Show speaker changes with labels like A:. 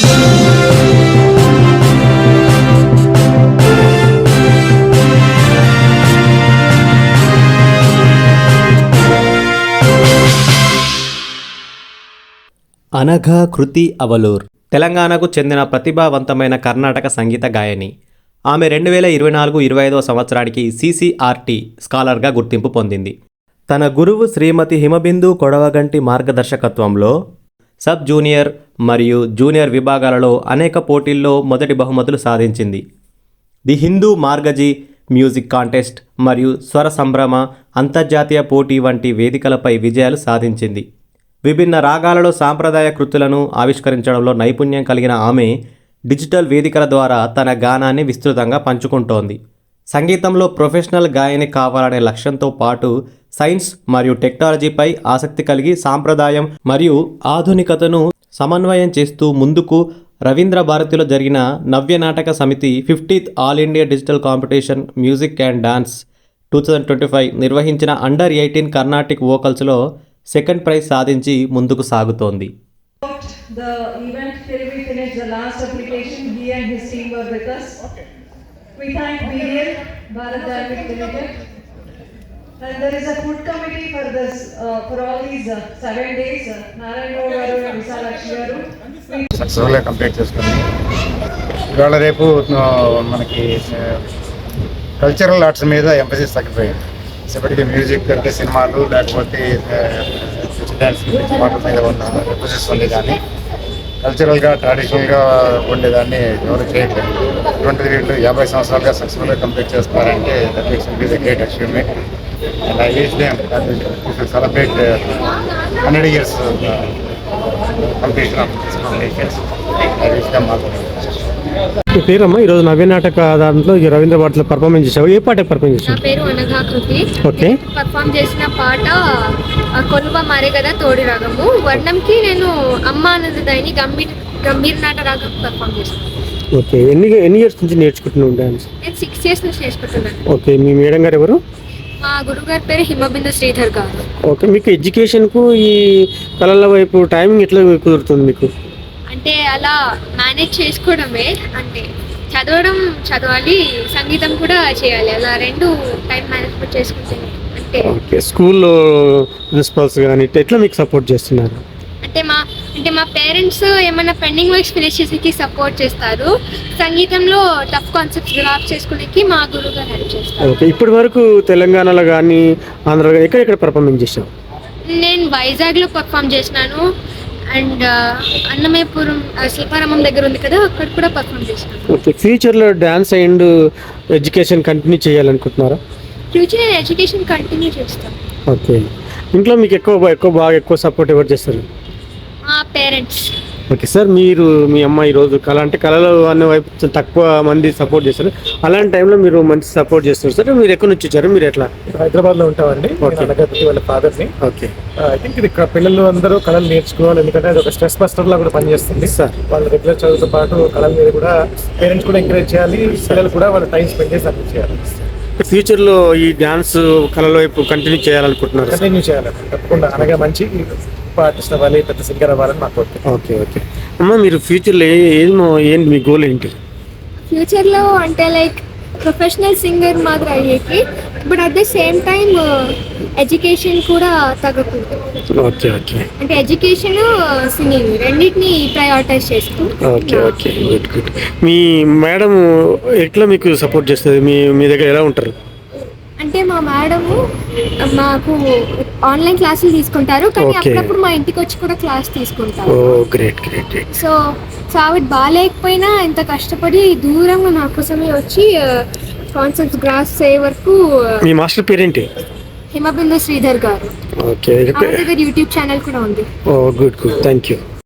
A: అనఘా కృతి అవలూర్ తెలంగాణకు చెందిన ప్రతిభావంతమైన కర్ణాటక సంగీత గాయని. ఆమె 2024-25 సంవత్సరానికి CCRT స్కాలర్గా గుర్తింపు పొందింది. తన గురువు శ్రీమతి హిమబిందు కొడవగంటి మార్గదర్శకత్వంలో సబ్ జూనియర్ మరియు జూనియర్ విభాగాలలో అనేక పోటీల్లో మొదటి బహుమతులు సాధించింది. The Hindu Margazhi music contest మరియు స్వర సంభ్రమ అంతర్జాతీయ పోటీ వంటి వేదికలపై విజయాలు సాధించింది. విభిన్న రాగాలలో సాంప్రదాయ కృతులను ఆవిష్కరించడంలో నైపుణ్యం కలిగిన ఆమె డిజిటల్ వేదికల ద్వారా తన గానాన్ని విస్తృతంగా పంచుకుంటోంది. సంగీతంలో ప్రొఫెషనల్ గాయని కావాలనే లక్ష్యంతో పాటు సైన్స్ మరియు టెక్నాలజీపై ఆసక్తి కలిగి సాంప్రదాయం మరియు ఆధునికతను సమన్వయం చేస్తూ ముందుకు రవీంద్ర భారతిలో జరిగిన నవ్య Nataka Samiti 50th all India digital competition music and dance 2025 నిర్వహించిన అండర్ 18 కర్ణాటిక్ వోకల్స్లో సెకండ్ ప్రైజ్ సాధించి ముందుకు సాగుతోంది.
B: The event till we finished the last application, he and his team were with us. We thank BDL, Bharat Dynamic Limited, and there is a food committee for this for all these 7 days. Narayan garu and Visalakshi garu
C: సక్సెస్ఫుల్గా complete చేసుకుంది. ఇవాళ రేపు మనకి cultural arts మీద emphasis తగ్గిపోయింది. ఇప్పటికీ music అంటే సినిమాలు లేకపోతే డ్యాన్స్ పాటల మీద ఉన్న ఎంఫసిస్ ఉంది, కానీ కల్చరల్గా ట్రెడిషనల్గా ఉండేదాన్ని ఎవరు చేయట్లేదు. అటువంటిది వీళ్ళు 50 సంవత్సరాలుగా సక్సెస్ఫుల్గా కంప్లీట్ చేస్తున్నారంటే that makes me the great achievement. And I wish them that we should celebrate 100 years completion of this competitions. I wish them all.
D: మీ పేరమ్మా? ఈరోజు నవ్య నాటక దాంట్లో రవీంద్ర భారతిలో పర్ఫార్మెన్స్ చేసావు. ఏ పాట పర్ఫార్మెన్స్ చేసావు?
E: నా పేరు అనఘా కృతి.
D: ఓకే.
E: పర్ఫార్మ్ చేసిన పాట కొలువ మారే కదా తోడి రాగము. వర్ణంకి నేను అమ్మ అన్నది దాన్ని గంభీర నాట రాగం పర్ఫార్మ్ చేసాను.
D: ఓకే. ఎన్ని ఇయర్స్ నుంచి నేర్చుకుంటున్నావు డాన్స్?
E: నేను 6 years నుంచి నేర్చుకుంటున్నాను.
D: ఓకే. మీ మేడం గారు ఎవరు?
E: మా గురువు గారి పేరు హిమబిందు శ్రీధర్ గారు.
D: ఓకే. మీకు ఎడ్యుకేషన్కు ఈ కళల వైపు టైమింగ్ ఎట్లా కుదురుతుంది మీకు?
E: అంటే అలా మేనేజ్ చేసుకోవడమే. అంటే చదవాలి, సంగీతం కూడా చేయాలి. అలా రెండు టైం మేనేజ్మెంట్ చేసుకుంటే అంటే.
D: ఓకే. స్కూల్లో ప్రిన్సిపల్స్ కానీ ఎట్లా మీకు సపోర్ట్ చేస్తున్నారు?
E: అంటే మా పేరెంట్స్ ఏమైనా పెండింగ్ వర్క్స్ ఫినిష్ చేసేకి సపోర్ట్ చేస్తారు. సంగీతంలో టఫ్ కాన్సెప్ట్స్ గ్రాప్ చేసుకునేకి మా గురువు గారు హెల్ప్ చేస్తారు.
D: ఓకే. ఇప్పటి వరకు తెలంగాణలో కానీ ఆంధ్రలో ఎక్కడెక్కడ పర్ఫార్మెన్స్ చేసావు?
E: నేను వైజాగ్లో పర్ఫామ్ చేసినాను. అండ్ అన్నమయ్యపురం శిల్పారామం దగ్గర ఉంది కదా, అక్కడ కూడా పర్ఫామ్ చేశాను.
D: ఓకే. ఫ్యూచర్లో డ్యాన్స్ అండ్ ఎడ్యుకేషన్ కంటిన్యూ చేయాలనుకుంటున్నారా?
E: ఫ్యూచర్ నేను ఎడ్యుకేషన్ కంటిన్యూ చేస్తాను.
D: ఓకే. ఇంట్లో మీకు ఎక్కువ సపోర్ట్ ఎవరు చేస్తారు?
E: మా పేరెంట్స్.
D: Okay sir. మీరు మీ అమ్మ ఈరోజు కళలు అనే వైపు తక్కువ మంది సపోర్ట్ చేస్తారు, అలాంటి టైంలో మీరు మంచి సపోర్ట్ చేస్తారు సార్. మీరు ఎక్కడి నుంచి వచ్చారు? మీరు ఎట్లా?
F: హైదరాబాద్లో ఉంటామండి. వాళ్ళ ఫాదర్ని.
D: ఓకే.
F: ఐ థింక్ ఇది పిల్లలు అందరూ కళలు నేర్చుకోవాలి, ఎందుకంటే అది ఒక స్ట్రెస్ బస్టర్ లా కూడా పనిచేస్తుంది సార్. వాళ్ళ రెగ్యులర్ చదువుతో పాటు కళల మీద కూడా పేరెంట్స్ కూడా ఎంకరేజ్ చేయాలి, పిల్లలు కూడా వాళ్ళ టైం స్పెండ్ చేసి అర్థం చేయాలి.
D: ఫ్యూచర్లో ఈ డ్యాన్స్ కళల వైపు కంటిన్యూ చేయాలనుకుంటున్నారు?
F: కంటిన్యూ చేయాలండి తప్పకుండా. అనగా మంచి ఆర్టిస్ట్ అవ్వాలి, పెద్ద సింగర్ అవ్వాలని మాకు.
D: ఓకే. ఓకే అమ్మ, మీరు ఫ్యూచర్లో ఏంటి మీ గోల్ ఏంటి?
E: ఫ్యూచర్లో అంటే లైక్ ప్రొఫెషనల్ సింగర్ మాత్రం అయ్యేకి, but at the same time education కూడా తగ్గకూడదు.
D: ఓకే. ఓకే.
E: అంటే ఎడ్యుకేషన్ సింగింగ్ రెండింటిని ప్రయారిటైజ్ చేస్తూ.
D: ఓకే. ఓకే. గుడ్. మీ మేడం ఎట్లా మీకు సపోర్ట్ చేస్తుంది? మీ దగ్గర ఎలా ఉంటారు?
E: అంటే మా మేడము మాకు ఆన్లైన్ క్లాసులు తీసుకుంటారు, కానీ అప్పుడప్పుడు మా ఇంటికి వచ్చి కూడా క్లాస్ తీసుకుంటారు.
D: గ్రేట్.
E: సో ఆవిడ బాగాలేకపోయినా ఇంత కష్టపడి దూరంగా నా కోసమే వచ్చి కాన్సెప్ట్స్ గ్రాస్ అయ్యే వరకు.
D: మీ మాస్టర్ పేరేంటి?
E: హిమబిందు శ్రీధర్ గారు.
D: ఓకే.
E: యూట్యూబ్ ఛానల్ కూడా ఉంది.
D: గుడ్. Thank you.